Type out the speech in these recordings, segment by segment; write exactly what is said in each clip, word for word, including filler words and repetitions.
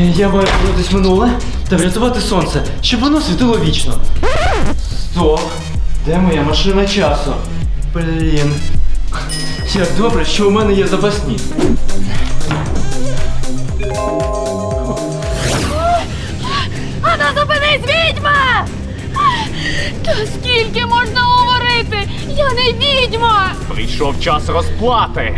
Я маю повернутися в минуле та врятувати сонце, щоб воно світило вічно. Стоп! Де моя машина часу? Блін. Як добре, що у мене є запасні. Ана, зупинись, відьма! Та скільки можна говорити? Я не відьма! Прийшов час розплати.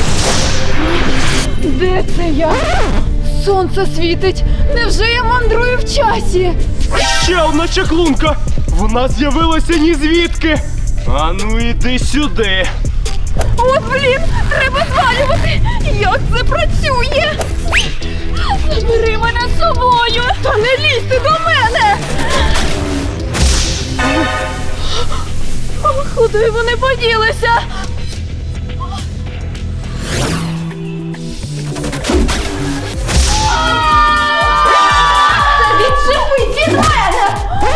Де це я? Сонце світить. Невже я мандрую в часі? Ще одна чаклунка! Вона з'явилася ні звідки! Ану, іди сюди! От, блін, треба звалювати! Як це працює? Забери мене з собою! Та не лізьте до мене! Куди вони поділися? Та відчепись від мене!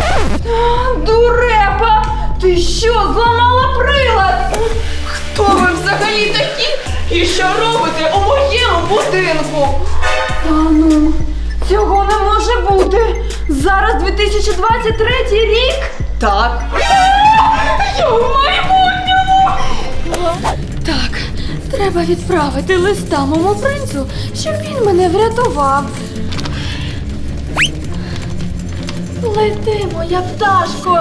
Дурепа! Ти що, зламала прилад? Хто ви взагалі такі? І що робите у моєму будинку? Та ну, цього не може бути. Зараз дві тисячі двадцять третій рік? Так. Я в майбутньому! Так, треба відправити листа моєму принцу, щоб він мене врятував. Лети, моя пташко!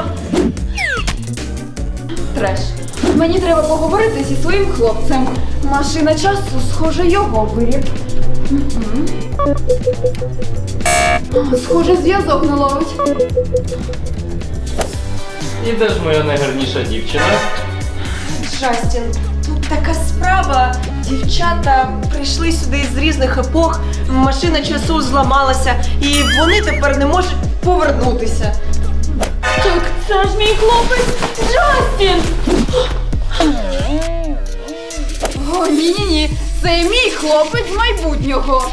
Треш. Мені треба поговорити зі своїм хлопцем. Машина часу, схоже, його виріб. Угу. Схоже, зв'язок не ловить. І де ж моя найгарніша дівчина? Джастін, тут така справа. Дівчата прийшли сюди з різних епох, машина часу зламалася, і вони тепер не можуть повернутися. Так це ж мій хлопець Джастін! О, ні-ні-ні, це мій хлопець з майбутнього.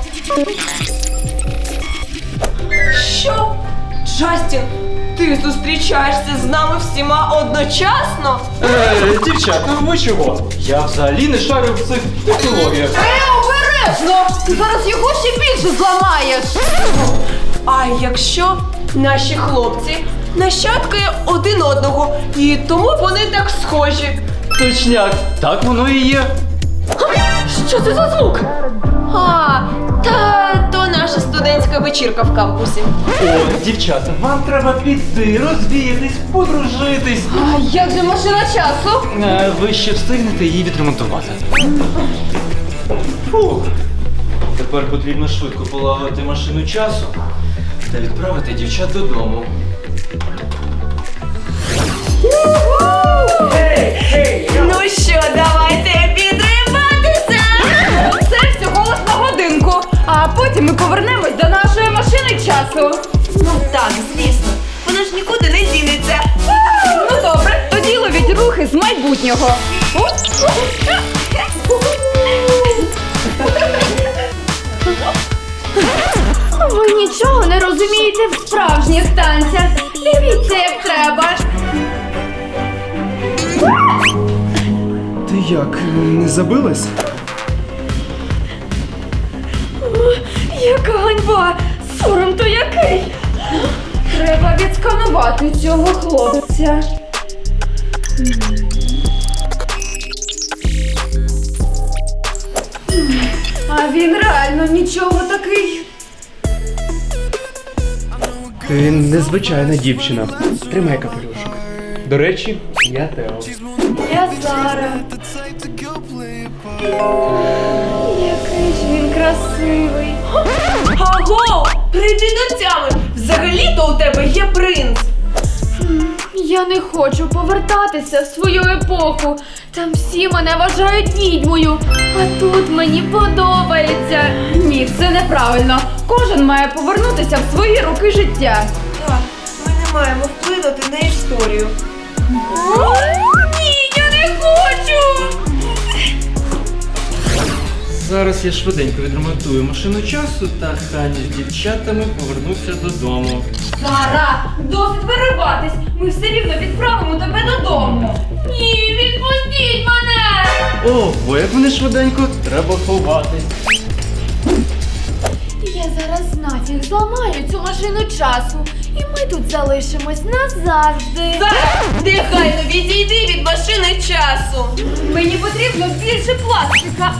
Що? Джастін, ти зустрічаєшся з нами всіма одночасно? Е, дівчата, ви чого? Я взагалі не шарю в цих технологіях. Е, обережно! Ти зараз його ще більше зламаєш! А якщо наші хлопці нащадки один одного, і тому вони так схожі? Точняк, так воно і є. Що це за звук? А, та то наша студентська вечірка в кампусі. О, дівчата, вам треба піти, розвіятись, подружитись. А як же машина часу? Е, ви ще встигнете її відремонтувати. Фух. Тепер потрібно швидко полагодити машину часу та відправити дівчат додому. Ну що, давайте підриватися! Це всього лиш на годинку, а потім ми повернемось до нашої машини часу. Ну так, звісно. Вона ж нікуди не дінеться. Ну добре, тоді ловіть рухи з майбутнього. Ви нічого не розумієте в справжніх танцях. Дивіться, як треба. Ти як, не забилась? Яка ганьба! Сором то який! Треба відсканувати цього хлопця. А він реально нічого такий. Ти незвичайна дівчина. Тримай капелюшок. До речі, я Тео. Я Зара. Який ж він красивий. Аго! Прийди до тями! Взагалі-то у тебе є принц! Я не хочу повертатися в свою епоху. Там всі мене вважають відьмою. А тут мені подобається. Ні, це неправильно. Кожен має повернутися в свої роки життя. Так, ми не маємо вплинути на історію. Ні, я не хочу! Зараз я швиденько відремонтую машину часу та Хані з дівчатами повернуся додому. Зара, досить вириватись. Ми все рівно відправимо тебе додому. Ні, відпустіть мене! Ого, як вони швиденько, треба ховатись. Я зараз нафіг зламаю цю машину часу, і ми тут залишимось назавжди. Зараз негайно відійди від машини часу. Мені потрібно більше пластика.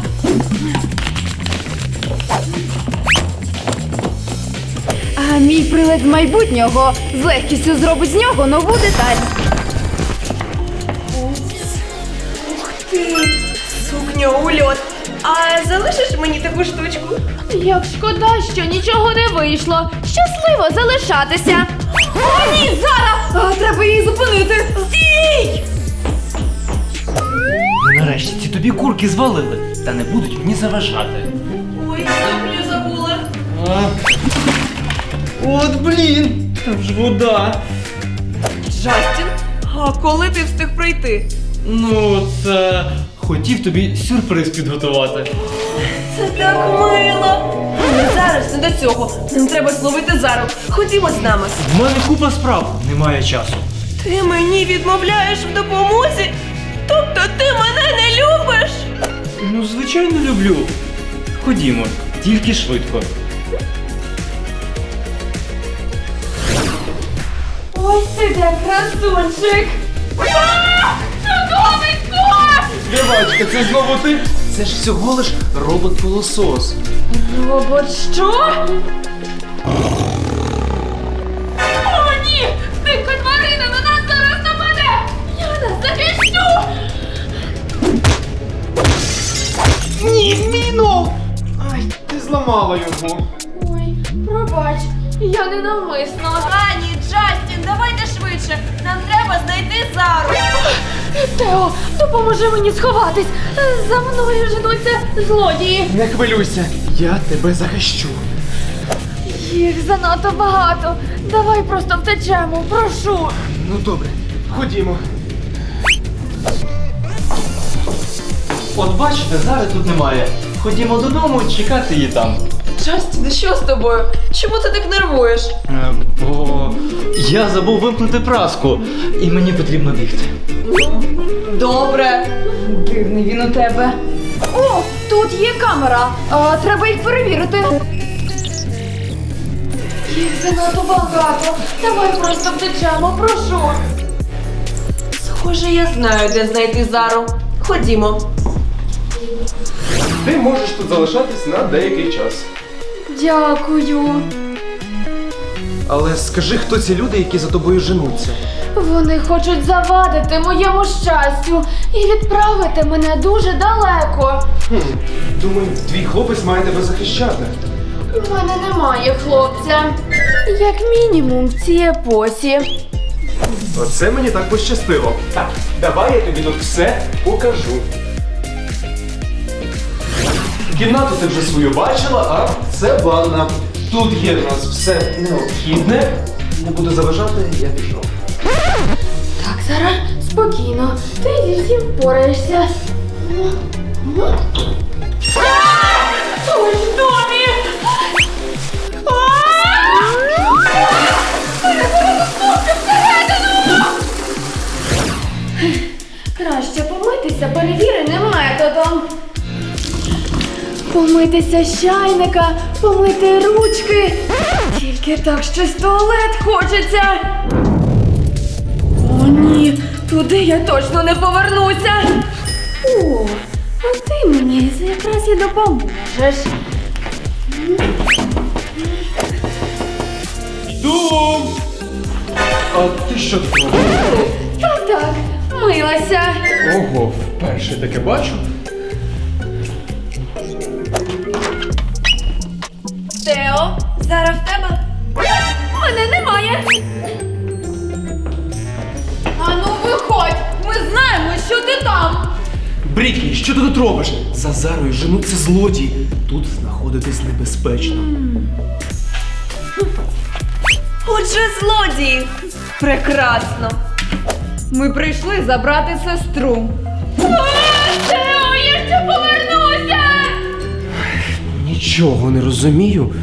А мій прилад з майбутнього з легкістю зробить з нього нову деталь. Ух ти! Сукня у льот. А залишиш мені таку штучку? Як шкода, що нічого не вийшло. Щасливо залишатися. О, ні, зараз! А, треба її зупинити. Стій! Ну нарешті ці тобі курки звалили, та не будуть мені заважати. Ой, сукню забула. А. От блін, там ж вода. Джастін, а коли ти встиг прийти? Ну, це хотів тобі сюрприз підготувати. Це так мило. Але зараз не до цього. Нам треба зловити Зару. Ходімо з нами. В мене купа справ, немає часу. Ти мені відмовляєш в допомозі? Тобто ти мене не любиш? Ну, звичайно, люблю. Ходімо, тільки швидко. Ось ти де красунчик. Чудовисько! Співачка, це знову ти? Це ж всього лиш робот-пилосос. Робот що? О, ні! Дика тварина на нас зараз нападе! Я нас захищу! Ні, міно! Ай, ти зламала його. Ой, пробач, я ненавмисно. Ані, Джастін, давайте швидше. Нам треба знайти Зару. Тео, допоможи мені сховатись. За мною женуться злодії. Не хвилюйся, я тебе захищу. Їх занадто багато. Давай просто втечемо, прошу. Ну добре, ходімо. От бачите, зараз тут немає. Ходімо додому чекати її там. Джастін, що з тобою? Чому ти так нервуєш? Е, бо я забув вимкнути праску, і мені потрібно бігти. Добре. Дивний він у тебе. О, тут є камера. А, треба їх перевірити. Їх занадто багато. Давай просто втечемо, прошу. Схоже, я знаю, де знайти Зару. Ходімо. Ти можеш тут залишатись на деякий час. Дякую. Але скажи, хто ці люди, які за тобою женуться? Вони хочуть завадити моєму щастю і відправити мене дуже далеко. Хм, думаю, твій хлопець має тебе захищати. У мене немає хлопця. Як мінімум в цій епосі. Оце мені так пощастило. Так, давай я тобі тут все покажу. Кімнату ти вже свою бачила, а це ванна. Тут є в нас все необхідне. Не буду заважати, я пішов. Так, Сара, спокійно. Ти зі всім впораєшся. Ой, в домі! Краще помитися перевіреним методом. Помитися з чайника, помити ручки. Тільки так щось в туалет хочеться. О, ні, туди я точно не повернуся. О, а ти мені якраз і допоможеш. Йду! А ти що тут робиш? Так, так, милася. Ого, вперше таке бачу. Тео, Зара в тебе? Мене немає. Ану, виходь, ми знаємо, що ти там. Брікі, що ти тут робиш? За Зарою женуться злодії. Тут знаходитись небезпечно. Отже, злодії. Прекрасно. Ми прийшли забрати сестру. Тео, я ще повернуся! Нічого не розумію.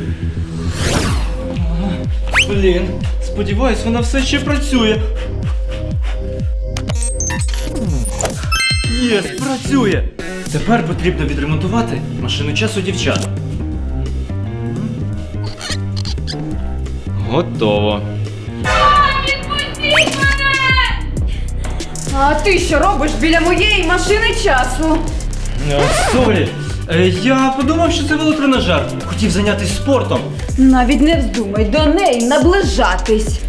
Блін, сподіваюсь, вона все ще працює. Є, працює! Тепер потрібно відремонтувати машину часу дівчат. Готово. Відпустіть мене! А ти що робиш біля моєї машини часу? Е, Сорі, Е, я подумав, що це велотренажер. Хотів зайнятися спортом. Навіть не вздумай до неї наближатись.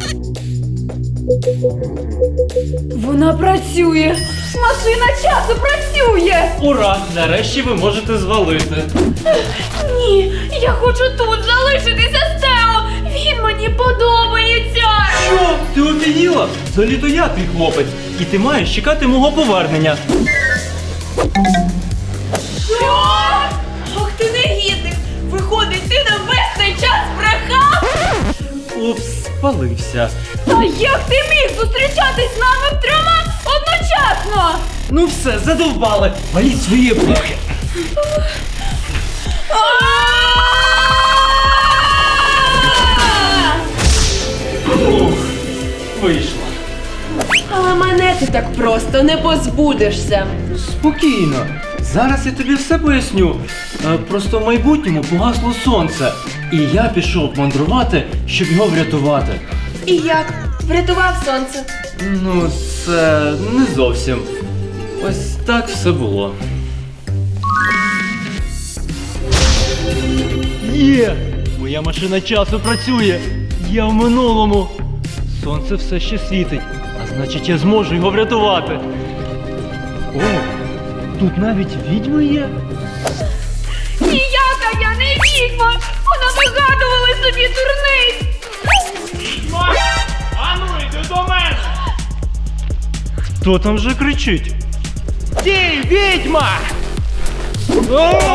Вона працює! Машина часу працює! Ура! Нарешті ви можете звалити. Ні, я хочу тут залишитися з Тео! Він мені подобається! Що? Ти офігіла? Взагалі-то я твій хлопець. І ти маєш чекати мого повернення. Що? Ах ти негідник! Виходить, ти нам весь цей час брехав! Упс, спалився. А як ти міг зустрічатись з нами втрьома одночасно? Ну все, задовбали. Валіть свої епохи. Ух, вийшло. Але мене ти так просто не позбудешся. Спокійно. Зараз я тобі все поясню. Е, Просто в майбутньому погасло сонце. І я пішов мандрувати, щоб його врятувати. І як? Врятував сонце? Ну, це не зовсім. Ось так все було. Є! Моя машина часу працює! Я в минулому! Сонце все ще світить, а значить я зможу його врятувати. О, тут навіть відьми є. Ніяка я не відьма! Вона вигадувала собі дурниць! Ану, йди до мене! Хто там вже кричить? Стій, відьма! О!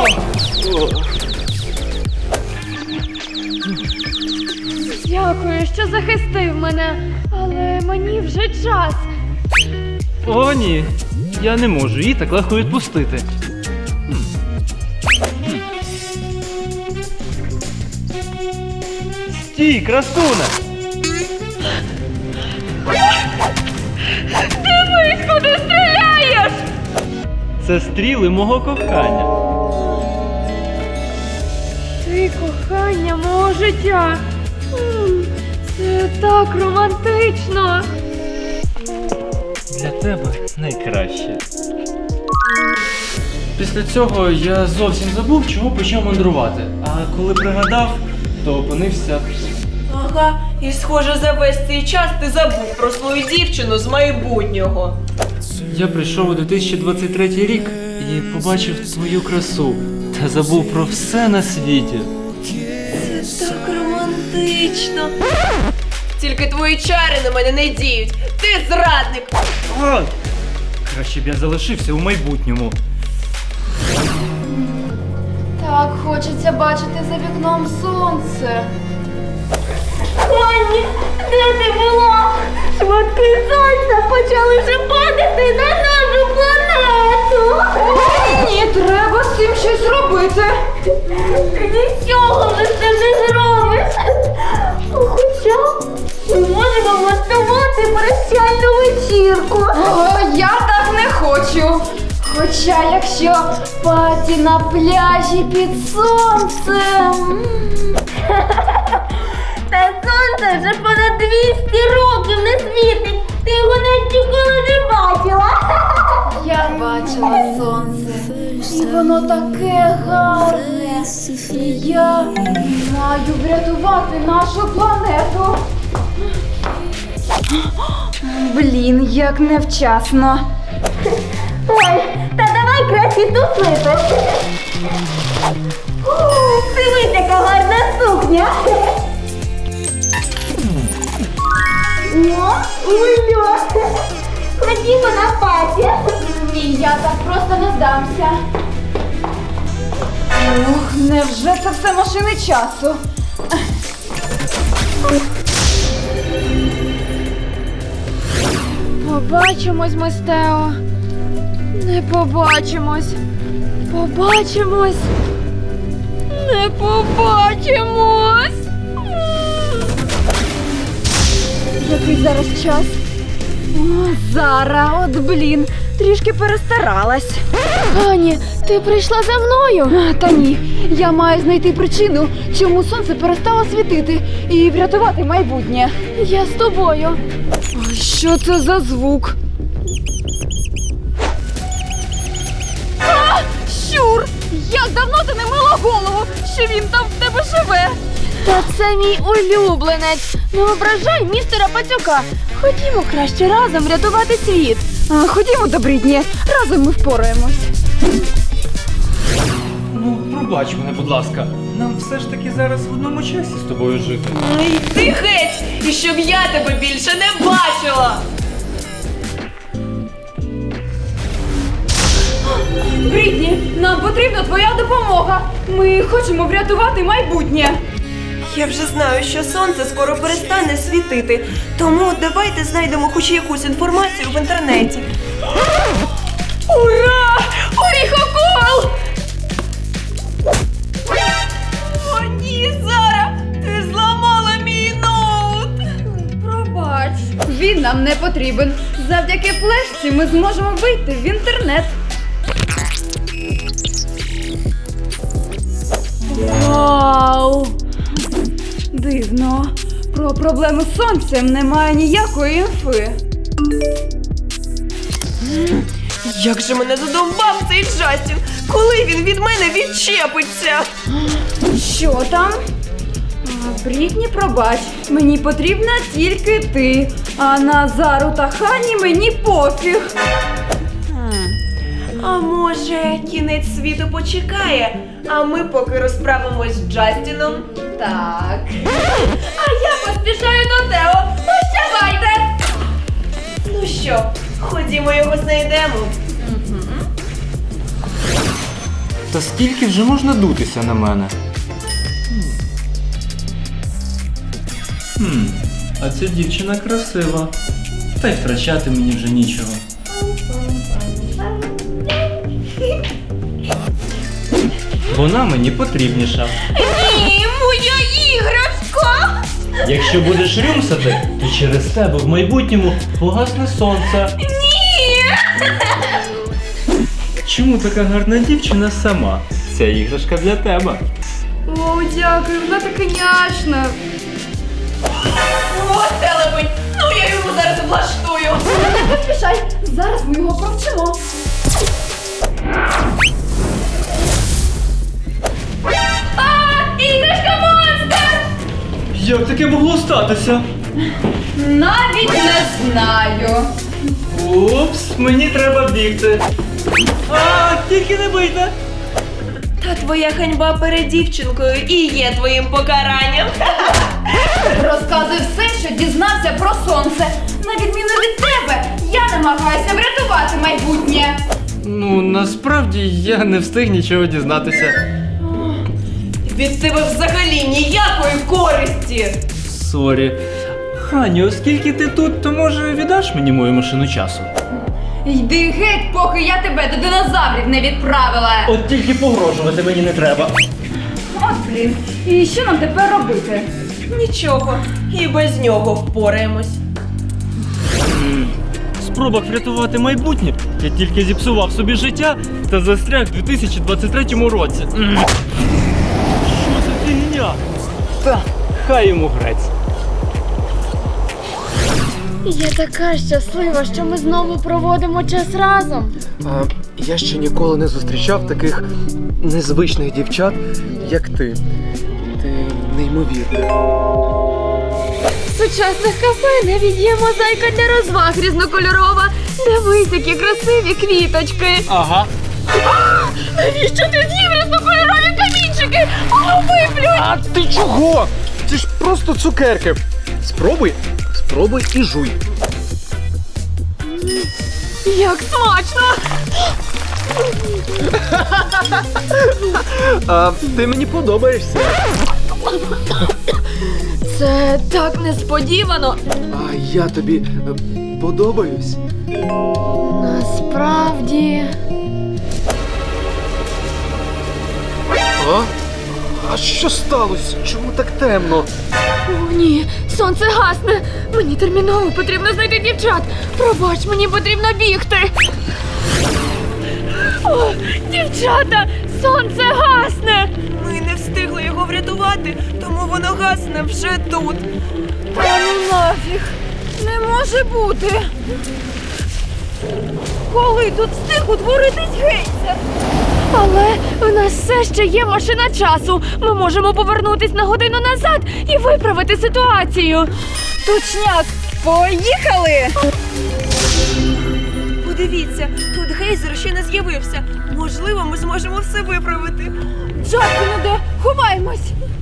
Дякую, що захистив мене, але мені вже час. О, ні, я не можу її так легко відпустити. Стій, красуне! Дивись, куди стріляєш! Це стріли мого кохання. Ти кохання мого життя. М, Це так романтично. Для тебе найкраще. Після цього я зовсім забув, чого почав мандрувати. А коли пригадав, то опинився. Ага, і схоже, за весь цей час ти забув про свою дівчину з майбутнього. Я прийшов у дві тисячі двадцять третій рік і побачив твою красу та забув про все на світі. Це так романтично. Тільки твої чари на мене не діють. Ти зрадник. Ой! Краще б я залишився у майбутньому. Так хочеться бачити за вікном сонце. Анні, де ти була? Шматки сонця почали вже падати на нашу планету. Ні, треба з цим щось робити. Нічого вже з цим не зробиш. Хоча ми можемо влаштувати прощальну вечірку. О, я так не хочу. Хоча якщо паті на пляжі під сонцем. Та сонце вже понад двісті років не світить. Ти його навіть ніколи не бачила. Я бачила сонце, і воно таке гарне. І я маю врятувати нашу планету. Блін, як невчасно. Ой, та давай краще туслити. Дивись, яка гарна сукня. О, ульо. Ходімо на паті. Ні, я так просто не здамся. Ух, невже це все машини часу? Побачимось, ми з Тео. Не побачимось. Побачимось. Не побачимось. Який зараз час? О, Зара, от блін, трішки перестаралась. Ані, Ти прийшла за мною? Та ні, я маю знайти причину, чому сонце перестало світити, і врятувати майбутнє. Я з тобою. А що це за звук? А, щур! Як давно ти не мила голову, що він там в тебе живе? Та це мій улюбленець. Не ображай містера Пацюка. Ходімо краще разом рятувати світ. А, ходімо, добридні, разом ми впораємось. Ну, пробач мене, будь ласка. Нам все ж таки зараз в одному часі з тобою жити. Ну йди геть, і щоб я тебе більше не бачила. Брітні, нам потрібна твоя допомога. Ми хочемо врятувати майбутнє. Я вже знаю, що сонце скоро перестане світити, тому давайте знайдемо хоч якусь інформацію в інтернеті. Ура! Оріхокол! О ні, Зара, ти зламала мій ноут. Пробач, він нам не потрібен. Завдяки флешці ми зможемо вийти в інтернет. Вау! Дивно. Про проблеми з сонцем немає ніякої інфи. Як же мене задовбав цей Джастін! Коли він від мене відчепиться? Що там? А, Брітні, пробач, мені потрібна тільки ти. А на Зару та Хані мені пофіг. А може, кінець світу почекає, а ми поки розправимось з Джастіном? Так. А я поспішаю до Тео. Прощавайте! Ну що, ходімо його знайдемо. Та скільки вже можна дутися на мене? Хм, а ця дівчина красива. Та й втрачати мені вже нічого. Вона мені потрібніша. Ні, моя іграшка! Якщо будеш рюмсати, то через тебе в майбутньому погасне сонце. Ні! Чому така гарна дівчина сама? Ця іграшка для тебе. О, дякую, вона така няшна. О, телепень! Ну я йому зараз влаштую! Не поспішай, зараз ми його провчимо. А, іграшка монстр! Як таке могло статися? Навіть не знаю. Упс, мені треба бігти. А, тільки не бийте. Та твоя ганьба перед дівчинкою і є твоїм покаранням. Розказуй все, що дізнався про сонце. На відміну від тебе, я намагаюся врятувати майбутнє. Ну, насправді я не встиг нічого дізнатися. Від тебе взагалі ніякої користі. Сорі. Хані, оскільки ти тут, то може віддаш мені мою машину часу? Йди геть, поки я тебе до динозаврів не відправила. От тільки погрожувати мені не треба. От блін, і що нам тепер робити? Нічого, і без нього впораємось. В спробах врятувати майбутнє я тільки зіпсував собі життя та застряг в дві тисячі двадцять третьому році. М. Що за фігня? Та, хай йому грець. Я така щаслива, що ми знову проводимо час разом. А, я ще ніколи не зустрічав таких незвичних дівчат, як ти. Ти неймовірна. В сучасних кафе навіть є мозаїка для розваг різнокольорова. Дивись, які красиві квіточки. Ага. Навіщо ти з'їв різнокольорові камінчики? Воно виплюнь! А ти чого? Це ж просто цукерки. Спробуй, спробуй і жуй. Як смачно! А, ти мені подобаєшся. Це так несподівано. А я тобі е, подобаюсь. Насправді. А? А що сталося? Чому так темно? О, ні, сонце гасне. Мені терміново потрібно знайти дівчат. Пробач, мені потрібно бігти. О, дівчата, сонце гасне! Ми не встигли його врятувати, тому воно гасне вже тут. Та ну нафіг! Не може бути! Коли тут встиг утворитись гейзер? Але в нас все ще є машина часу. Ми можемо повернутись на годину назад і виправити ситуацію. Точняк! Поїхали! Подивіться, тут гейзер ще не з'явився. Можливо, ми зможемо все виправити. Джастін іде! Ховаємось!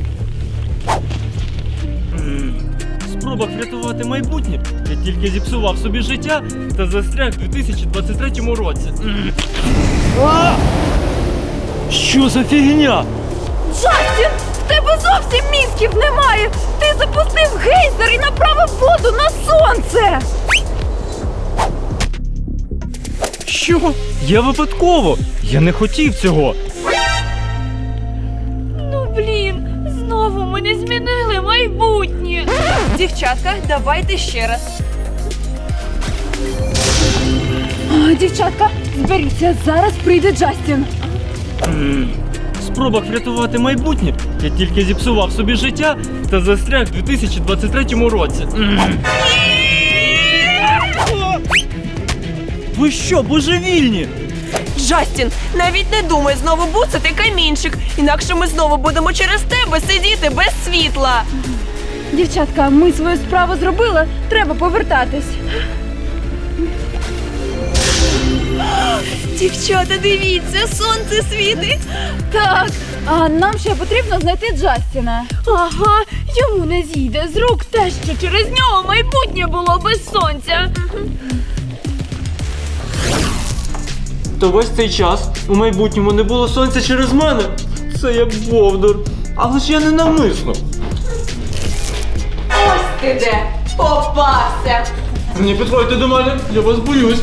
В спробах врятувати майбутнє я тільки зіпсував собі життя та застряг в дві тисячі двадцять третьому році. А! Що за фігня? Джастін! В тебе зовсім мізків немає! Ти запустив гейзер і направив воду на сонце! Що? Я випадково! Я не хотів цього! Ну блін, знову ми не змінили майбутнє. Дівчатка, давайте ще раз. А, дівчатка, зберіться, зараз прийде Джастін. В спробах врятувати майбутнє я тільки зіпсував собі життя та застряг в дві тисячі двадцять третьому році. Ви що, божевільні? Джастін, навіть не думай знову буцати камінчик, інакше ми знову будемо через тебе сидіти без світла. Дівчатка, ми свою справу зробили, треба повертатись. Дівчата, дивіться, сонце світить. Так, а нам ще потрібно знайти Джастіна. Ага, йому не зійде з рук те, що через нього майбутнє було без сонця. То весь цей час у майбутньому не було сонця через мене. Це я бовдур. Але ж я не навмисно. Ось ти де, попався. Не підходьте до мене, я вас боюсь.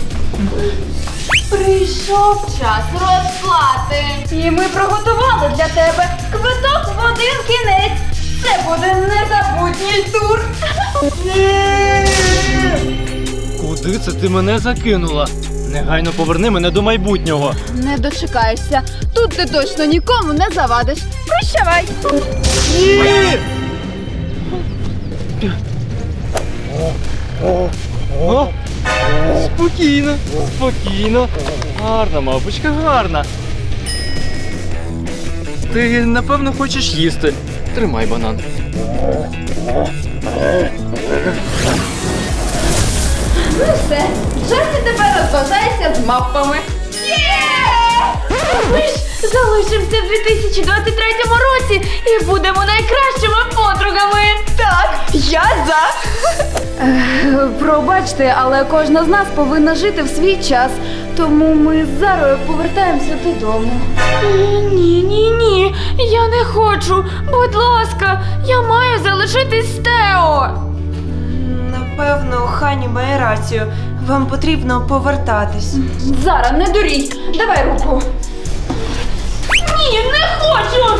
Прийшов час розплати. І ми приготували для тебе квиток в один кінець. Це буде незабутній тур. Куди це ти мене закинула? Негайно поверни мене до майбутнього. Не дочекаєшся. Тут ти точно нікому не завадиш. Прощавай. Ні! О, спокійно, спокійно. Гарна, мавпочка, гарна. Ти, напевно, хочеш їсти. Тримай банан. Ну все, Джасті тепер розважається з мавпами. Ми ж залишимося в дві тисячі двадцять третьому році і будемо найкращими подругами. Так, я за. Пробачте, але кожна з нас повинна жити в свій час. Тому ми з Зарою повертаємося додому. Ні, ні, ні, я не хочу. Будь ласка, я маю залишитись з Тео. Напевно, Хані має рацію. Вам потрібно повертатись. Зара, не дурій. Давай руку. Ні, не хочу.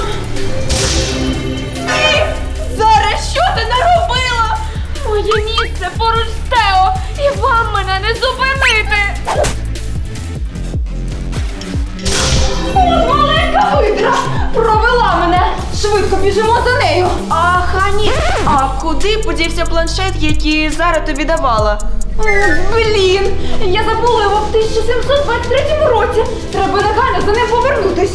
Ні! Зараз що ти наробила? Моє місце поруч з Тео, і вам мене не зупинити. От маленька видра! Провела мене! Швидко біжимо за нею! А, Хані, а куди подівся планшет, який Зара тобі давала? О, блін! Я забула його в тисяча сімсот двадцять третьому році! Треба негайно за ним повернутись!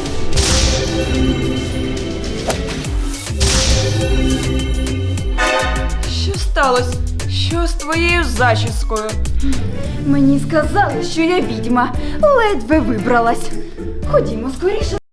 Що сталося? Що з твоєю зачіскою? Мені сказали, що я відьма. Ледве вибралась. Ходімо скоріше.